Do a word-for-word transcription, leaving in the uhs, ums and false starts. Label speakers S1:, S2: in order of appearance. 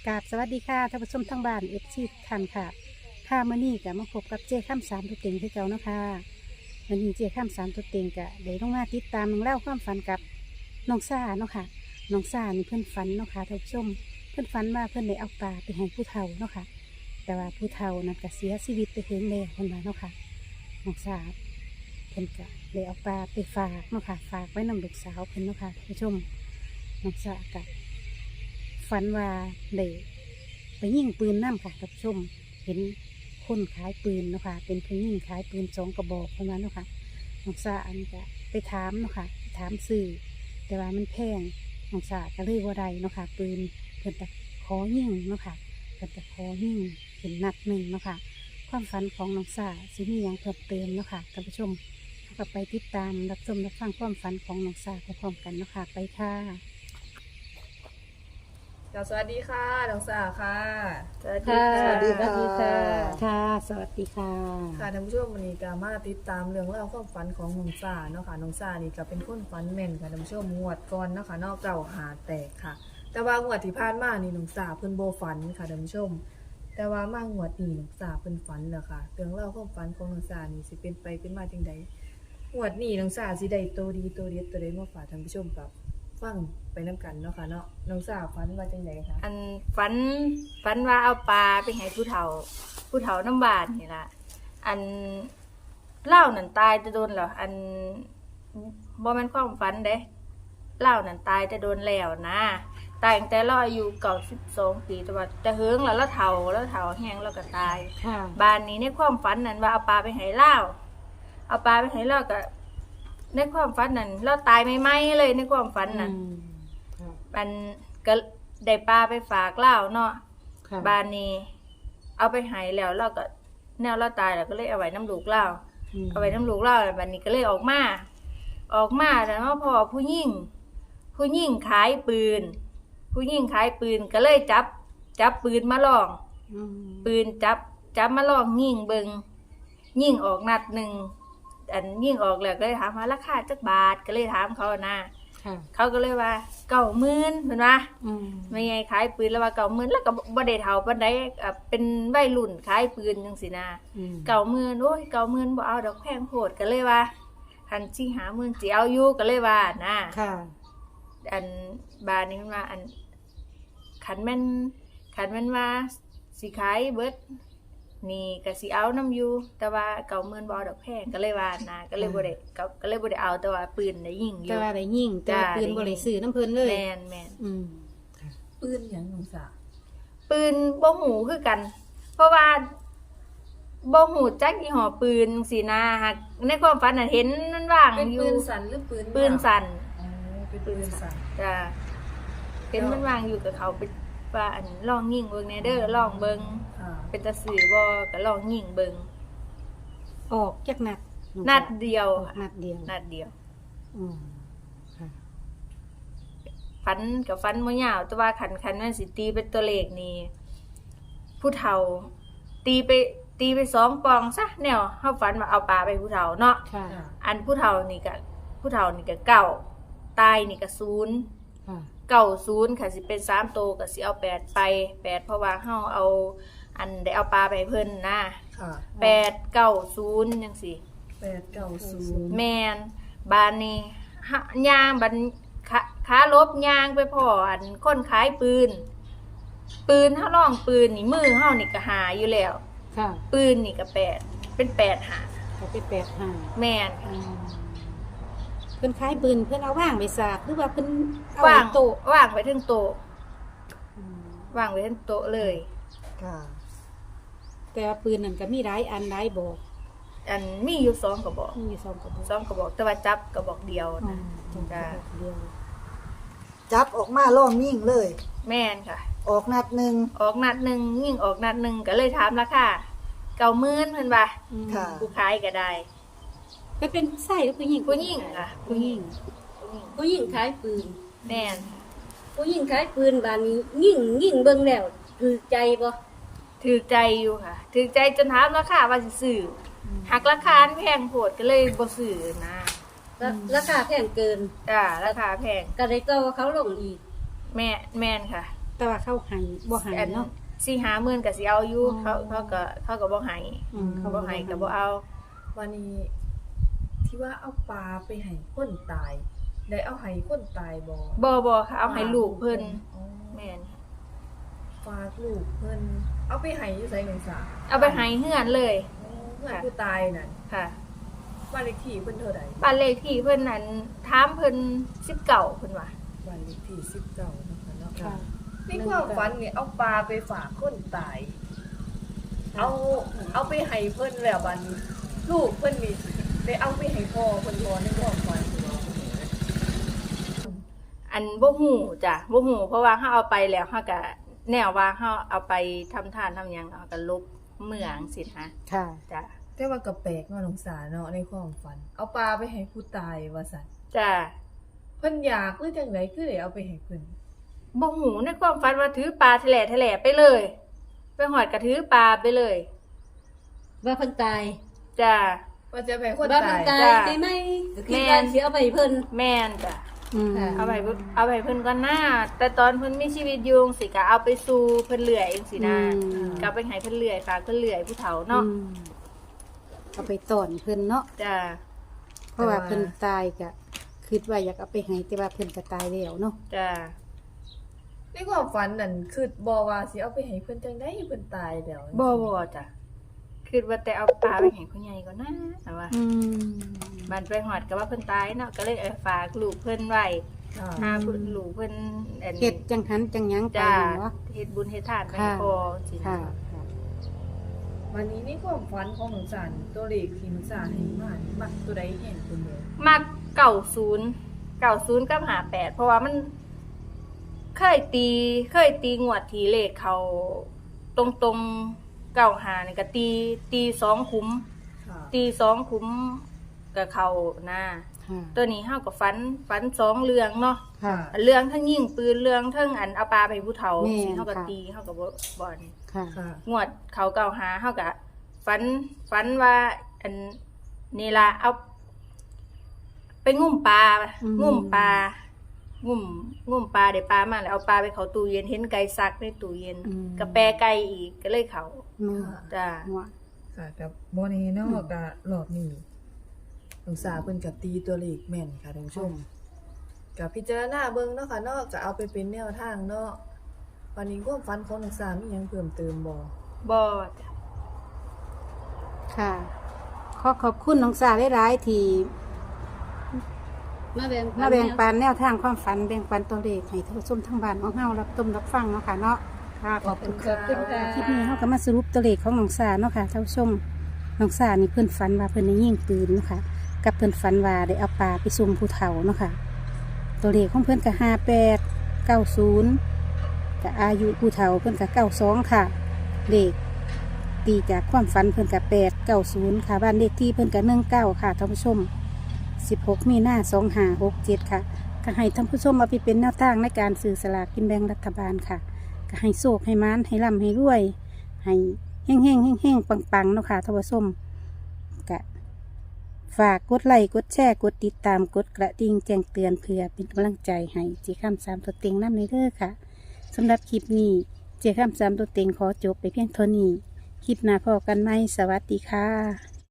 S1: กราบสวัสดีค่ะท่านผู้ชมทั้งบ้านเอฟซีทุกท่านค่ะค่ะมื่อนี้ก็มาพบกับเจ้ข้ามสามตัวเต็งที่เก่าเนาะค่ะมื่อนี้เจ้ข้ามสามตัวเต็งก็ได้ลงมาติดตามน้องเล่าความฝันกับน้องซ่าเนาะค่ะน้องซ่านี่เพื่อนฝันเนาะค่ะท่านผู้ชมเพื่อนฝันว่าเพื่อนได้เอาปลาไปให้ผู้เฒ่าเนาะค่ะแต่ว่าผู้เฒ่านั้นก็เสียชีวิตไปถึงแล้วเพิ่นว่าเนาะค่ะน้องซ่าเพิ่นก็ได้เอาปลาไปฝากเนาะค่ะฝากไว้นำลูกสาวเพิ่นเนาะค่ะท่านผู้ชมน้องซ่าก็ฝันว่าได้ไปยิงปืนน้ำค่ะท่านผู้ชมเห็นคนขายปืนเนาะค่ะเป็นผู้ยิงขายปืนสองกระบอกเท่านั้นเนาะค่ะน้องซ่าอันก็ไปถามเนาะค่ะถามซื้อแต่ว่ามันแพงน้องซ่าก็เลยบ่ได้เนาะค่ะปืนเพิ่นจะขอยิงเนาะค่ะเพิ่นจะขอยิงเป็นนัดหนึ่งเนาะค่ะความฝันของน้องซ่าสิมีหยังเพิ่มเติมเนาะค่ะท่านผู้ชมก็ไปติดตามรับชมรับฟังความฝันของน้องซ่าพร้อมๆกันเนาะค่ะไปค่ะ
S2: สวัสดีค่ะน้องสาค่ะสวัสดี
S1: ค่ะ
S2: ค่ะ
S1: สวัสดีค่ะค่ะ สวัสดีค่ะ
S2: ค่ะท่านผู้ชมวันนี้ก็มาติดตามเรื่องเล่าวความฝันของน้องสาเนาะค่ะน้องสานี่ก็เป็นคนฝันแม่นค่ะท่านผู้ชมงวดก่อนเนาะค่ะนอกเก่าหาแตกค่ะ แต่ว่างวดที่ผ่านมานี่น้องสาเพิ่นโบฝันค่ะท่านผู้ชม แต่ว่ามางวดนี้น้องสาเพิ่นฝันแล้วค่ะเรื่องเล่าวความฝันของน้องสานี่สิเป็นไปเป็นมาจังใดงวดนี้น้องสาสิได้โตดีโตเด็ดตัวใดมาฝากท่านผู้ชมกับฟังไปน้ำกันเนาะค่ะเนาะน้องสาฝันว่าจังใดคะ
S3: อันฝันฝันว่าเอาปลาไปให้ผู้เฒ่า ผู้เฒ่าน้ำบานนี่ล่ะอันเล่านั่นตายจะโดนเหรออันบ่แม่นความฝันเด้เล่านั่นตายจะโดนแล้วนะตายตั้งแต่เราอายุเก่าสิบสองปีแต่ว่าจะเฮิงแล้วแล้วเฒ่าแล้วเฒ่าแห้งแล้วก็ตาย
S1: ค่ะ
S3: บ้านนี้ในความฝันนั้นว่าเอาปลาไปให้เล่าเอาปลาไปให้เล่าก็ในความฝันนั้นเราตายไม่ไหมเลยในความฝันนั้น
S1: อืมค่ะ
S3: มันก็ได้ปลาไปฝากเล่าเนาะ
S1: ค่ะ
S3: บานนี้เอาไปใหายแล้วเราก็แนวเราตายแล้วก็เลยเอาไว้น้ำลูกเล่า
S1: ม
S3: เอาไว้น้ำลูกเล่าแล้วบานนี้ก็เลยออกมาออกมาแล้วเนาะพอผู้หญิงผู้หญิงขายปืน ผู้หญิงขายปืนก็เลยจับจับปืนมาลอง
S1: อืม
S3: ปืนจับจับมาลองยิงเบิงยิงออกนัดหนึ่งอันยิงออกแล้วก็เลยถามว่าราคาจักบาทก็เลยถามเขานะ
S1: ค่ะ
S3: เขาก็เลยว่าเก้าหมื่นเห็นปะ
S1: อืม
S3: ไม่ไงขายปืนแล้วว่าเก่าหมื่นแล้วก็บ่ได้เฒ่าปานใดอ่ะเป็นวัยรุ่นขายปืนจังซี่นะ
S1: อืม
S3: เก่าหมื่นโอ้ยเก่าหมื่นบ่เอาดอกแพงโพดก็เลยว่าคันสิหาหมื่นสิเอาอยู่ก็เลยว่านะ
S1: ค่ะ
S3: อันบาดนี้มันว่าอันคันแม่นคันแม่นว่าสิขายเบิดนี่ก็สิเอานํอยู่แต่ว่าเก่าหมื่นบ่เอาดอกแพงก็เลยว่านะก็เลยบ่ได้ก็ก็เลยบ่ได้เอาแต่ว่าปืนได้ยิงอ
S1: แต่
S3: ยู่
S1: ว่าได้ยิงแต่ว่า
S3: จ้า
S1: ปืนบ่ได้ซื้อน้ำเพิ่นเลย
S3: แม่นแม่น
S1: อืม
S2: ปืนอย่างน้องสา
S3: ปืนบ่หูคือกัน เพราะว่าบ่หูจักยี่ห้อปืนสินะหักในความฝันน่ะเห็นมันว่าง
S2: เป็น
S3: อยู่
S2: ปืนสั่นหรือปืน
S3: ปืนสั่น
S2: อ๋อเป็นปืนสั่น
S3: จ้ะเห็นมันว่างอยู่กับเขาไปว่าอันลองยิงเบิ่งแหน่เด้อลองเบิ่ง
S2: ค่ะ
S3: เป็นตาสื่อบ่ก็ลองยิงเบิ่ง
S1: ออกจักนัดอง
S3: นัดเดียว
S1: ออกนัดเดียว
S3: นัดเดียว
S1: อืมค่ะ
S3: ฝันกับฝันบ่ยาวแต่ว่าคันคันมันสิตีเป็นตัวเลขนี่ผู้เฒ่า ตีไปตีไปสองปองซะแนวเฮาฝันว่าเอาปลาไปให้ผู้เฒ่าเนาะ
S1: ค่ะ
S2: ค่ะ
S3: อันผู้เฒ่านี่ก็ผู้เฒ่านี่ก็เก้าตายนี่ก็ศูนย์
S1: ค่ะ
S3: เก้าศูนย์ค่ะสิเป็นสามโตวก็สิเอาแปดไปแปดเพราะว่าเฮาเอา อันได้เอาปลาไปให้เพิ่นนะ
S2: ค่ะ
S3: แปดเก้าศูนย์จังซี่
S2: แปดเก้าศูนย์
S3: แม่นบานนี้หะย่างบันขาขาลบย่างไปพ่ออันคนขายปืน ปืนเฮาลองปืนนี่มือเฮานี่ก็หาอยู่แล้ว
S1: ค่ะ
S3: ปืนนี่ก็แปดเป็นแปดหา
S1: เขาไปแปดห้า
S3: แม่น
S1: อืมเพิ่นขายปืนเพิ่นเอาว่างไปสากหรือว่าเพิ่นเอา
S3: ว่าง
S1: ไโต๊ะ
S3: ว่างไว้ถึงโต๊ะ
S1: อืม
S3: ว่างไว้ถึงโต๊ะเลย
S2: ค่ะ
S1: แต่ว่าปืนนั่นก็มีหลายอันหลายบอก
S3: อันมีอยู่สองกระบอก
S1: มีอยู่สองกระบอก
S3: สองกระบอกแต่ว่าจับกระบอกเดียว
S1: อื
S3: นะ
S1: มสองกระบอกเดียว
S4: จับออกมาล่องยิ่งเลย
S3: แม่นค่ะ
S4: ออกนัดหนึ่ง
S3: ออกนัดหนึ่งยิ่งออกนัดหนึ่งก็เลยถามราคาเก้าหมื่นเพิ่นว่า
S1: อืม
S4: ค่ะ
S3: ผู้ขายก็ได้
S1: ก็เป็นไส้หรือผู้หญิง
S3: ผู้หญิงค่ะ
S1: ผู้หญิง
S3: ผู้หญิง
S5: ผู้หญิงขายปืน
S3: แม่น
S5: ผู้หญิงขายปืนบานนี้ยิ่งยิ่งเบิ่งแล้วถือใจบ่
S3: ถือใจอยู่ค่ะ ถือใจจนถามราคาว่าสิซื้ออหักราคาแพงโพดก็เลยบ่ซื้อนะ
S5: ราราคาแพงเกิน
S3: จ้าราคาแพง
S5: ก็ได้ต่อเขาลงอีก
S3: แม่แม่นค่ะ
S1: แต่ว่าเขาให้บ่ให้เนาะ
S3: สี่ห้าหมื่นก็สิเอาอยู่
S1: อ๋อ
S3: เขาเขาก็เขาก็บ่ให้
S1: อืม
S3: เขาบ่ให้ก็บ่เอา
S2: วันนี้ที่ว่าเอาปลาไปให้คนตาย ได้เอาให้คนตายบ่
S3: บ่บ่ค่ะเอาให้ลูกเพิ่น
S2: อ๋อ
S3: แม่น
S2: ฝากลูกเพิ่นเอาไปให้อยู่ไสหนึ่งสา
S3: เอาไปให้เฮือนเลย
S2: อ๋อเพื่อนผู้ตายนั่น
S3: ค่ะ
S2: บ้านเลขที่เพิ่นเท่าใด
S3: บ้านเลขที่เพิ่นนั้นถามเพิ่นสิบเก้าเพิ่นว่า
S2: บ้านเลขที่สิบเก้านะคะเนาะ
S1: ค่ะ
S2: ในความฝันนี่เอาปลาไปฝากคนตาย เอาเอาไปให้เพิ่นแล้วบัดนี้ลูกเพิ่นนี่ได้เอาไปให้พ่อเพิ่นบ่ในความฝัน
S3: อันบ่ฮู้จ้ะบ่ฮู้เพราะว่าเฮาเอาไปแล้วเฮาก็แนวว่าเฮาเอาไปทำทานทำหยังเฮาก็ลบเมืองสินะ
S1: ค่ะ
S3: จ้ะ
S2: แต่ว่าก็แปลกเนาะน้องสาเนาะในความฝัน เอาปลาไปให้ผู้ตายว่าซั่น
S3: จ้ะ
S2: เพิ่นอยากหรือจังไดคือได้เอาไปให้เพิ่น
S3: บ่ฮู้ในความฝันว่าถือปลาแถลแถลไปเลย ไปหอดก็ถือปลาไปเลย
S5: ว่าเพิ่นตาย
S3: จ้ะ
S2: ว่าจะไปให้คน
S5: ว่า
S2: ตา
S5: เพิ่น
S2: ย
S5: ตาย
S3: จ้ะ
S5: ได้ไหมก็คิด
S3: แม่น
S5: ว่าสิเอาไปให้เพิ่น
S3: แม่นจ้ะ
S1: อืม
S5: ค่ะ
S3: เอาไปเพิ่นเอาไปเพิ่นก่อนหน้า แต่ตอนเพิ่นมีชีวิตอยู่จังซี่ก็เอาไปสู่เพิ่นเลื่อยจังซี่นะ
S1: อืม
S3: ก็เอาไปให้เพิ่นเลื่อยฝากเพิ่นเลื่อยผู้เฒ่าเนาะ
S1: อืมเอาไปต้อนเพิ่นเนาะ
S3: จ้ะ
S1: เพราะว่าเพิ่นตายก็คิดว่าอยากเอาไปให้แต่ว่าเพิ่นก็ตายแล้วเนาะ
S3: จ้ะ
S2: ในความฝันนั่นคือบ่ว่าสิเอาไปให้เพิ่นจังได๋เพิ่นตายแล้ว
S3: บ่บ่จ้ะคิดว่าแต่เอาปลาไปให้ผู้ใหญ่ก่อนนะแต่ว่า
S1: อืม
S3: บ้านไปหอดก็ว่าเพิ่นตายเนาะก็เลยเอาฝากลูกเพิ่นไว้
S2: ค่ะ
S3: หาเพิ่นลูกเพิ่นอัน
S1: เฮ็ดจังหันจังหยังไป
S3: จ้า
S1: เนาะ
S3: เฮ็ดบุญเฮ็ดทานไป
S1: ค่ะ
S3: ให้พ่อสินะ
S1: ค่ะค่ะ
S2: วันนี้ในความฝันของหนูสานตัวเลขที่หนูสานให้มานี่มักตัวใดแห่งตัวเดียว
S3: มักเก้าศูนย์เก้าศูนย์กับห้าแปดเพราะว่ามันเคยตีเคยตีงวดทีเลขเขาตรงตรงเก้าหานี่ก็ตีตีสองคุ้ม
S2: ค่ะ
S3: ตีสองคุ้มกับเขานะ
S1: ค่ะ
S3: ตัวนี้เฮาก็ฝันฝันสองเรื่องเนาะ
S1: ค่ะ
S3: เรื่องทั้งยิงปืนเรื่องทั้งอันเอาปลาไปให้ผู้เฒ่า
S1: แม่น
S3: สิเฮาก็
S1: ค่ะ
S3: ตีเฮาก็บ่บ่อน
S1: ค่ะ
S2: ค่ะ
S3: งวดเขาเก่าหาเฮาก็ฝันฝันว่าอันนี่ล่ะเอา ไปงุ่มปลา
S1: อืม
S3: งุ่มปลางุ่มงุ่มปลาได้ปลามาแล้วเอาปลาไปเข้าตู้เย็นเห็นไก่ซักในตู้เย็น
S1: อืม
S3: ก็แปรไก่อีกก็เลยเขา
S1: แม่
S3: จ้า
S1: หัว
S2: ค่ะกับโบนีเนาะกะรอบนี้หนูสาวเพิ่นกับตีตัวเลขแม่นค่ะท่านผู้ชมกับพิจารณาเบิ่งเนาะค่ะเนาะก็เอาไปเป็นแนวทางเนาะวันนี้ความฝันของหนูสาวมีหยังเพิ่มเติมบ่
S3: บ่จ้ะ
S1: ค่ะ ขอขอบคุณน้องสาหลายๆที่
S5: มาแบ่ง
S1: มาแบ่งปันแนวทางความฝันแบ่งปันตัวเลขให้ท่านผู้ชมทั้งบ้านของเฮารับชมรับฟังเนาะค่ะเนาะค่ะขอบคุณ
S5: ขอบคุณค่ะ
S1: คลิปนี้เฮาก็มาสรุปตัวเลขของน้องสาเนาะค่ะท่านผู้ชมน้องสานี่เพิ่นฝันว่าเพิ่นได้ยิงปืนเนาะค่ะกับเพิ่นฝันว่าได้เอาปลาไปส่งผู้เฒ่าเนาะค่ะตัวเลขของเพิ่นก็ห้าแปดเก้าศูนย์กับอายุผู้เฒ่าเพิ่นก็เก้าสองค่ะเลขตีจากความฝันเพิ่นก็แปดเก้าศูนย์ค่ะบ้านเลขที่เพิ่นก็หนึ่งเก้าค่ะท่านผู้ชมสิบหกมีนาสองห้าหกเจ็ดค่ะก็ให้ท่านผู้ชมเอาไปเป็นแนวทางในการซื้อสลากกินแบ่งรัฐบาลค่ะก็ให้โชคให้มานให้ร่ำให้รวย ให้แห้งแห้งแห้งแห้งปังปังๆเนาะค่ะท่านผู้ชมกะฝากกดไลค์กดแชร์กดติดตามกดกระดิ่งแจ้งเตือนเพื่อเป็นกำลังใจให้เจ้าข้ามสามตัวเต็งน้ำในเด้อค่ะสำหรับคลิปนี้เจ้าข้ามสามตัวเต็งขอจบไปเพียงเท่านี้คลิปหน้าพอกันไหมสวัสดีค่ะ